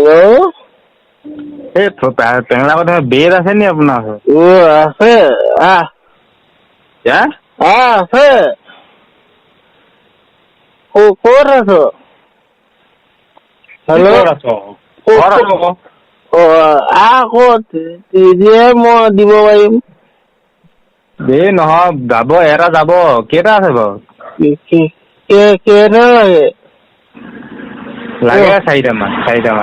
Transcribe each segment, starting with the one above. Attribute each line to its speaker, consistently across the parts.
Speaker 1: Hello'
Speaker 2: এই টেঙলা কথা বেদ আছে নি আপোনাৰ ওচৰত?
Speaker 1: আছে আছে ক'ত আছ? হেল্ল' ক'ত দিয়ে মই দিব পাৰিম।
Speaker 2: দেই নহয় যাব এটা যাব কেইটা আছে বাৰু?
Speaker 1: কেইটা লাগে?
Speaker 2: লাগে চাৰিটামান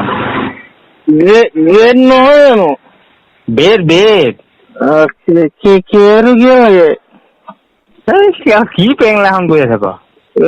Speaker 1: গ্ৰেড নহয় জানো?
Speaker 2: বেদ
Speaker 1: কিহেতু কিয় লাগে?
Speaker 2: কি পেংলাখন কৰি আছে বাৰু?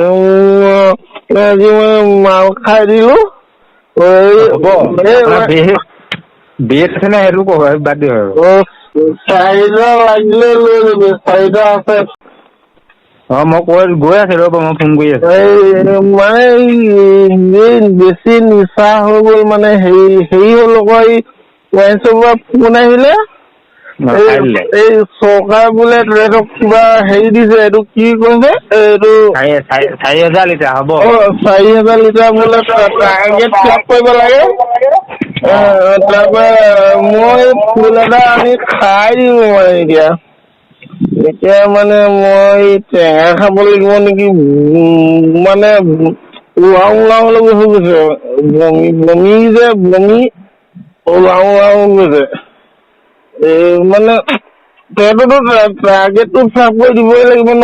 Speaker 1: আজি মই মাল খাই দিলো।
Speaker 2: হ'ব আপোনাৰ বেদ আছে নে সেইটো কব বাদ দিয়ক আৰু।
Speaker 1: চাৰিটা লাগিলে লৈ লবি, চাৰিটা আছে।
Speaker 2: মই গৈ আছো ৰ'ব, মই ফোন কৰি আছো।
Speaker 1: মানে বেছি নিচা হৈ গ'ল, মানে হেৰি হ'ল আকৌ ফোন আহিলে।
Speaker 2: খাই দিলে
Speaker 1: এই চৰকাৰ বোলে এইটো কিবা হেৰি দিছে, এইটো কি কৈছে এইটো
Speaker 2: 4,000 লিটাৰ হ'ব।
Speaker 1: 4,000 লিটাৰ বোলে টাৰ্গেট ফিল আপ কৰিব লাগে। তাৰপৰা মই ফুল এটা আনি খাই দিলো এতিয়া মানে মই টেঙা খাব লাগিব নেকি, মানে উলাও হৈ গৈছে, বমি গৈছে। মানে তইতো টাৰ্গেটটো ফিল কৰি দিবই লাগিব ন?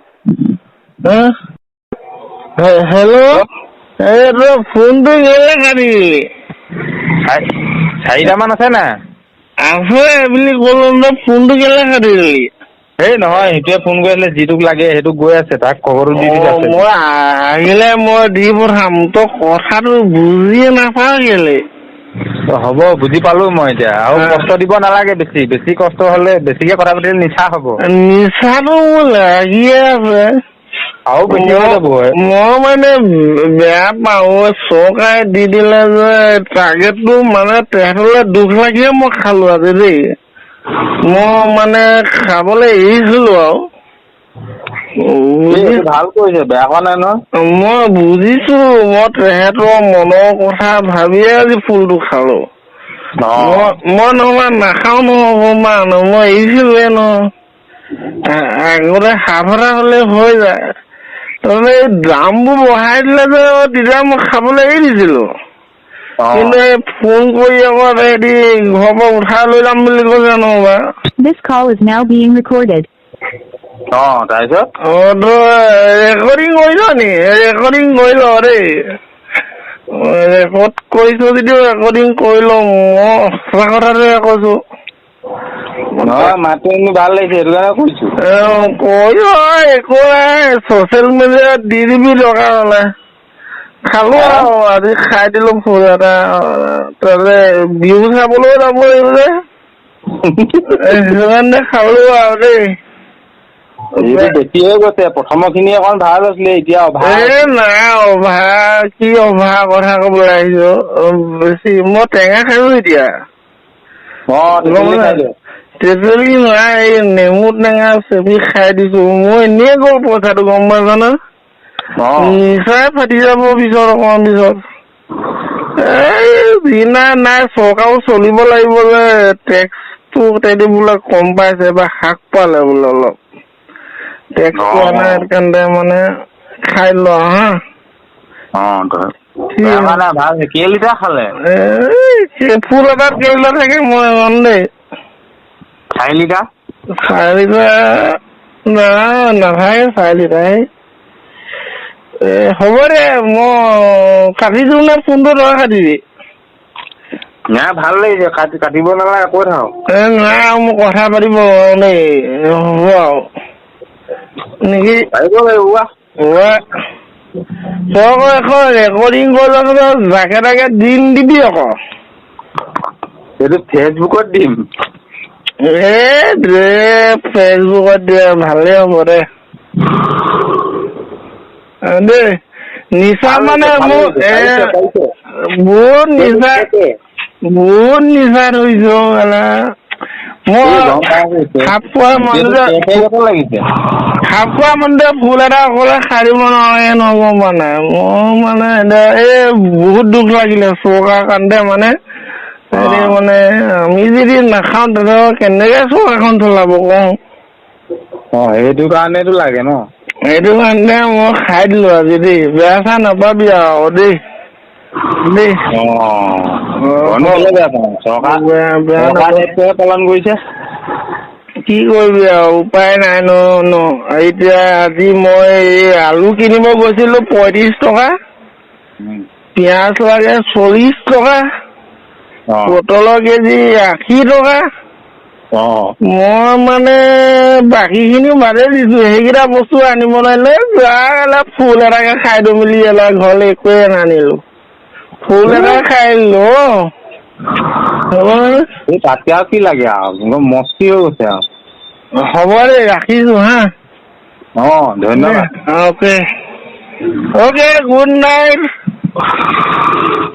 Speaker 1: হেল্ল' এই তই ফোনটো কেলে কাটি দিলি?
Speaker 2: 4টা মান আছে নাই?
Speaker 1: আছে বুলি ক'লো ন, ফোনটো কেলে কাটি দিলি?
Speaker 2: এই নহয়, সেইটোৱে ফোন কৰি আছিলে, যিটোক লাগে সেইটোক গৈ আছে, তাক খবৰটো দি দিছে আছে।
Speaker 1: মই আহিলে মই দি পঠাম, তই কথাটো বুজিয়ে নাপাৱ কেলে?
Speaker 2: হ'ব বুজি পালো মই এতিয়া, আৰু কষ্ট দিব নালাগে বেছি কষ্ট হলে বেছিকে কথা পাতিলে নিচা হব।
Speaker 1: নিচাটো মোৰ লাগিয়ে আছে।
Speaker 2: আৰু বেছি হৈ যাব।
Speaker 1: মই মানে বেয়া পাওঁ, চৰকাৰে দি দিলে যে টাৰ্গেটটো, মানে তেহেতলে দুখ লাগিয়ে মই খালো আজি দেই। মই মানে খাবলৈ এৰিছিলো আৰু।
Speaker 2: এইটো ভাল কৰিছে, বেয়া কোৱা নাই নহয়।
Speaker 1: মই বুজিছো, মই তেহেতৰ মনৰ কথা ভাবিয়ে আজি ফুলটো খালো। মই নহবা নাখাও নহয়, মই এৰিছিলোৱে নহয়। আগতে সাফালে হলে হৈ যায়। তাৰমানে এই দামবোৰ বঢ়াই দিলে যে, তেতিয়া মই খাবলৈ এৰি দিছিলো। কিন্তু এই ফোন কৰি আকৌ সিহঁতি ঘৰৰ পৰা উঠাই লৈ যাম বুলি কৈছে নহবা।
Speaker 3: This call is now being recorded.
Speaker 2: তাৰপিছত?
Speaker 1: তই ৰেকৰ্ডিং কৰিছ নি? ৰেকৰ্ডিং কৰি ল দেই। ৰেকৰ্ড কৰিছ যদিও ৰেকৰ্ডিং কৰি ল, মই সঁচা কথাটোহে কৈছো।
Speaker 2: নহয়, মাতটো শুনি ভাল লাগিছে, সেইটো কাৰণে কৈছো।
Speaker 1: একো নাই, ছচিয়েল মিডিয়াত দি দিবি দৰকাৰ হলে। খালো আৰু আজি খাই দিলো ফুল এটা, তাতে বিহু চাবলৈও যাব লাগিব যে। সেইকাৰণে খালো আৰু দেই।
Speaker 2: এইটো বেছি হৈ গৈছে, প্ৰথমৰ খিনি অকণ ভাল হৈছিলে, এতিয়া অভাৰ হৈছে।
Speaker 1: নাই অভাৰ, কি অভাৰ কথা কবলৈ আহিছ? বেছি মই টেঙা খালো এতিয়া।
Speaker 2: তেতেলী খাই দিয়ক।
Speaker 1: তেতেলী নাই, এই নেমু টেঙা চেপি খাই দিছো, মই এনেই গ'ল পইচাটো গম পাইছ নে? নিচাই ফাটি যাব পিছত, অকমান পিছত। নাই চৰকাৰো চলিব লাগিব যে, টেক্সটো তেহেতি বোলে কম পাইছে, বা হ্ৰাস পালে বোলে অলপ। টেক্স পোৱা নাই, সেইকাৰণে মানে খাই ল হা।
Speaker 2: বেয়া হোৱা নাই, ভাল হৈছে। কেই লিটাৰ খালে?
Speaker 1: ফুল এটাত কেই লিটাৰ থাকে মই নাজানো দেই।
Speaker 2: 4 লিটাৰ?
Speaker 1: 4 লিটাৰ নাথাকে 4 লিটাৰ। হ'ব দে, মই কাটি দিওঁ নে ফোনটো, তই কাটিবি?
Speaker 2: নাই ভাল লাগিছে, কাটিব নালাগে, কৈ থাকক।
Speaker 1: নাই আৰু মই কথা পাতিব দেই, হ'ব আৰু। নেকি? তই আকৌ এখন ৰেকৰ্ডিং কৰি ল, জাকে তাকে দি নিদিবি আকৌ।
Speaker 2: এইটো ফেচবুকত দিম।
Speaker 1: ফেচবুকত দিয়া ভালেই হ'ব দে। দেই, নিচা
Speaker 2: ভাল
Speaker 1: মানে
Speaker 2: হৈছে, ভাল
Speaker 1: মোৰ
Speaker 2: হৈছে, পাৰিছে।
Speaker 1: বহুত
Speaker 2: সেইটো
Speaker 1: নিচা
Speaker 2: থাকে।
Speaker 1: ধৰিছো মই
Speaker 2: গম পাই গৈছে।
Speaker 1: খাপ খোৱা মানুহটোৱে
Speaker 2: লাগিছে
Speaker 1: খাপ খোৱা মানুহটোৱে ফুল এটা অকলে সাৰিব নোৱাৰে নহ'ব মানে মোৰ মানে এতিয়া এই বহুত দুখ লাগিলে চৰকাৰ কাৰণে মানে হেৰি মানে আমি যদি নাখাওঁ তেনেহ'লে কেনেকে চৰকাৰখন চলাব কওঁ
Speaker 2: সেইটো কাৰণেতো লাগে ন
Speaker 1: সেইটো কাৰণে মই খাই দিলো আজি দেই বেয়া চা নাপাবি আৰু দেই দেই
Speaker 2: বেয়া পাওঁ চৰকাৰে পালন কৰিছে
Speaker 1: কি কৰিবি আৰু উপায় নাই ন এতিয়া আজি মই এই আলু কিনিব গৈছিলো 35 টকা পিয়াজ লাগে 40 টকা পটলৰ কেজি 80 টকা মই মানে বাকীখিনি বাদেই দিছো সেইকেইটা বস্তু আনিব নোৱাৰিলে ফুল এটাকে খাই দিওঁ বুলি ঘৰলৈ একোৱে নানিলো ফুল এটা খাই দিলো
Speaker 2: এই তাতকে আৰু কি লাগে আৰু মস্তি হৈ গৈছে আৰু
Speaker 1: হ'ব দে ৰাখিছো হা
Speaker 2: ধন্যবাদ
Speaker 1: অকে গুড নাইট